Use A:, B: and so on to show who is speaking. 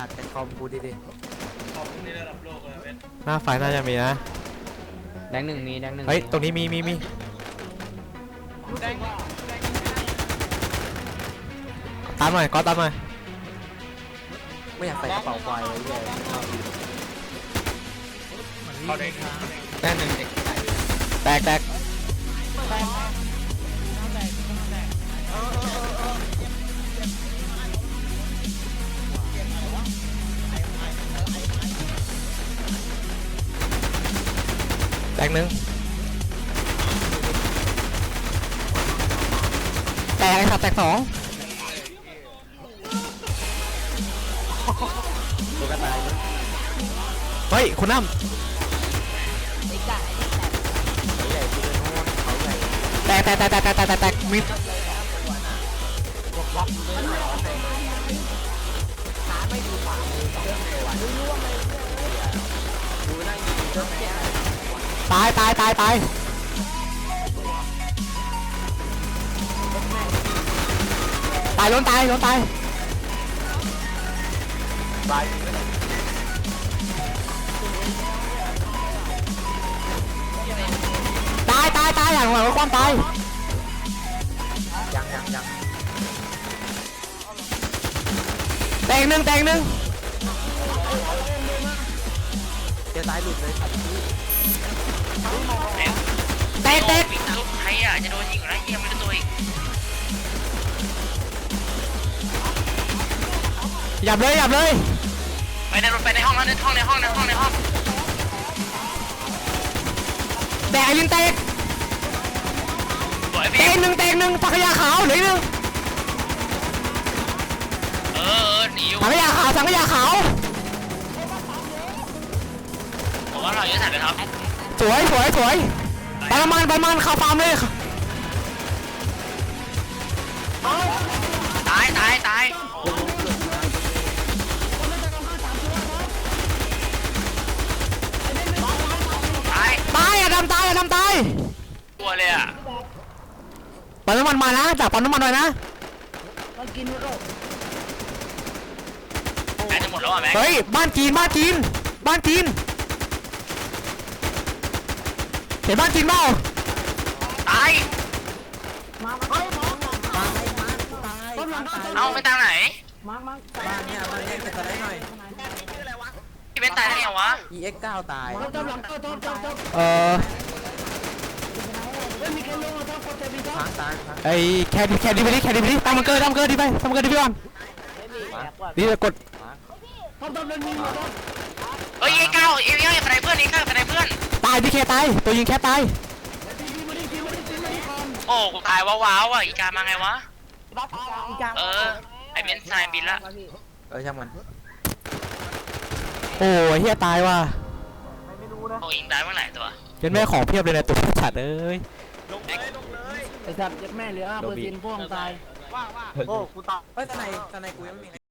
A: สัตว์แต่คอมกูดิ
B: ขอบคุณในระดับโลกเลยเว้ย
C: หน้าไฟน่าจะมีนะ
D: แดงหนึ่งมีแดงหนึ่ง
C: เฮ้ยตรงนี้มีตามหน่อยก็ตามหน่อย
A: ไม่อยากใส่กระเป๋าไฟไว้เลย
B: เขาได้
D: แดงหนึ่งเด็ก
C: แตกแตกหนึ่งแตกไอ้สัตว์แตกสอง
A: ตัวกระต่าย
C: เฮ้ยคุณน้ำ
A: เขาใหญ่ที่เป็นโน่นเขาใหญ่
C: แตกมิด
A: ดูนั่งยิงเรื่องแม่
C: ตายตายล้นตาย
A: ตาย
C: ตาย
A: ตายอย่างไร
C: ความตาย
A: ยัง
C: แตกหนึ่ง
A: เดี๋ยวซ้ายหลุดเลย
C: แตก
E: วิ่งทะลุใครอ่ะจะโดนยิงอยู่แล้วยังไม่รู้ตัวอีก
C: หยับเลย
E: ไปในรถไปในห้องแล้วในห้อง
C: แตกไอ้ลินแตก
E: สวย
C: แต
E: พี่
C: กหนึ่งถังขยะขาวเหลือหนึ่ง
E: หนีอยู่
C: ถังขยะขาว
E: ผมว่าเราเยอะสัตว์เลยครับ
C: สวยไปมันเข้าฟาร์มเลย
E: ตายตาย
C: อะดำตาย
E: ตัวเลยอ่ะ
C: ปั๊มน้ำมันมานะจากปั๊มน้ำมันหน่อยนะ
E: ใกล้จะหมดแล้วอ่ะแม็ก
C: เฮ้ยบ้านจีนเห็นบ้านจีนเปล่า
E: ตายเอาไปทางไหน
A: บ้านเนี่ยเก็บได้หน่อย
E: พี่เป็นตายได้ไงวะ
A: EX9 ตาย ค้างตาย
C: ไอ้แคดดิไปดิตามมันเกิดดิไปก่อนนี่กด
E: เฮ้ยเก้าอย่าไปเพื่อนนี่ข้าไปเพื่อน
C: ตายดิแคตายตัวยิงแคตาย
E: โอ้กูตายว้าวอ่ะอีกามาไงวะไอเบนซ์นายบินละ
A: ช่างมัน
C: โอ้ยเฮียตายว่ะ
E: โอ้ยิงตายเมื่อไหร่ตัว
C: ยันแม่ของเพียบเลยนะตัวฉัดเอ้ย
D: ไอ้สัตว์ยัดแม่เหลือ5%พวกตาย
A: โอ้กูตายเฮ้ยตอนไหนกูยังไม่มี